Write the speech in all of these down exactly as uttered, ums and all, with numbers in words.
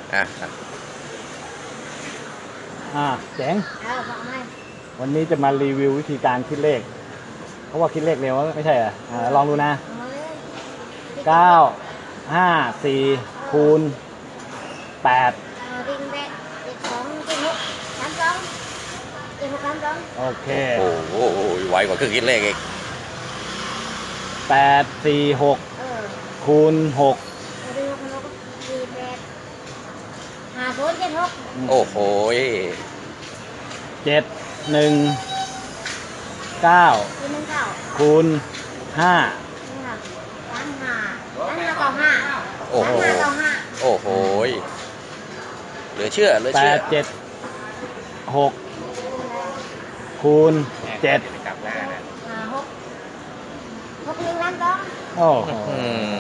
อ่ะอ่าเจ๋งเออบอกให้วันนี้จะมารีวิววิธีการคิดเลข เพราะว่าคิดเลขเร็วไม่ใช่เหรออ่าลองดูนะเอาเลยเก้า ห้า สี่ คูณ แปดเออวิ่งแบะเจ็ดสองเจ็ดหกสามสองเจ็ดหกสามสองโอเคโอ้โหไวกว่าเครื่องคิดเลขอีกแปด สี่ หกเออคูณ หกเออดึงหกคนหกสี่แปดห้าศูนย์เจ็ดหกโอ้โหเจ็ด หนึ่ง เก้าสี่หนึ่งเก้าคูณ ห้าหนึ่งห้าสามห้าสามห้าเก้าห้าโอ้โหสามห้าเก้าห้าโอ้โหเหลือเชื่อเหลือแปเชื่อด เจ็ด หก คูณ เจ็ดห้าหกหกหนึ่งล้านสองโอ้โหอืม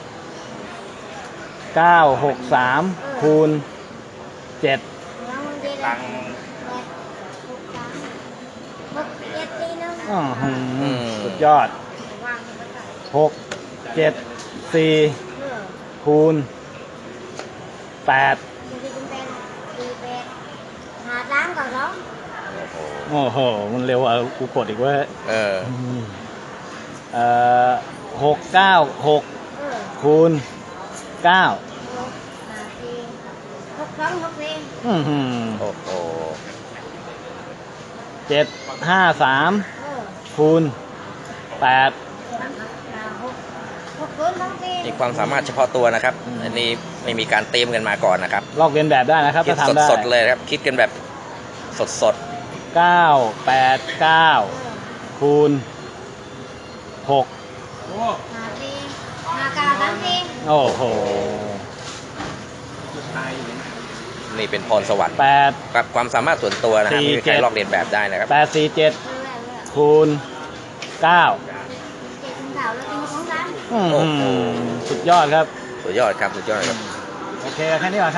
เก้า หก สาม คูณ เจ็ดล้านเจ็ดแปดหกสามหกเจ็ดสี่หนึ่งอื้อหือสุดยอดวางไว้ก่อนหก เจ็ด สี่เออคูณ แปดสี่สิบแปดสี่แปดห้าสามเก้าสองโอ้โหโอ้โห มันเร็วอ่ะกูกดอีกเว้ยเออเอ่อหก เก้า หกเออคูณ เก้าหกห้าสี่หกสองหกสี่อื้อหือโอ้โหเจ็ด ห้า สามเออคูณ แปดห้าหกหกศูนย์สองสี่มีความสามารถเฉพาะตัวนะครับ อันนี้ไม่มีการเตรียมกันมาก่อนนะครับลอกเลียนแบบได้นะครับคิดถ้าทำได้สดๆเลยครับ คิดกันแบบสดเก้า แปด เก้าเออคูณ หกห้าสี่ห้าเก้าสามสี่โอ้โหๆ นี่เป็นพรสวรรค์แปดกับความสามารถส่วนตัวนะครับสี่ไม่มีใครเจ็ดลอกเลียนแบบได้นะครับแปด สี่ เจ็ดเออเออเออคูณ เก้าเจ็ดถึงเก้าแล้วเป็นหกสองสามอื้อโอ้หืโหอสุดยอดครับสุดยอดครับสุดยอดครับโอเค แค่นี้ก่อนครับ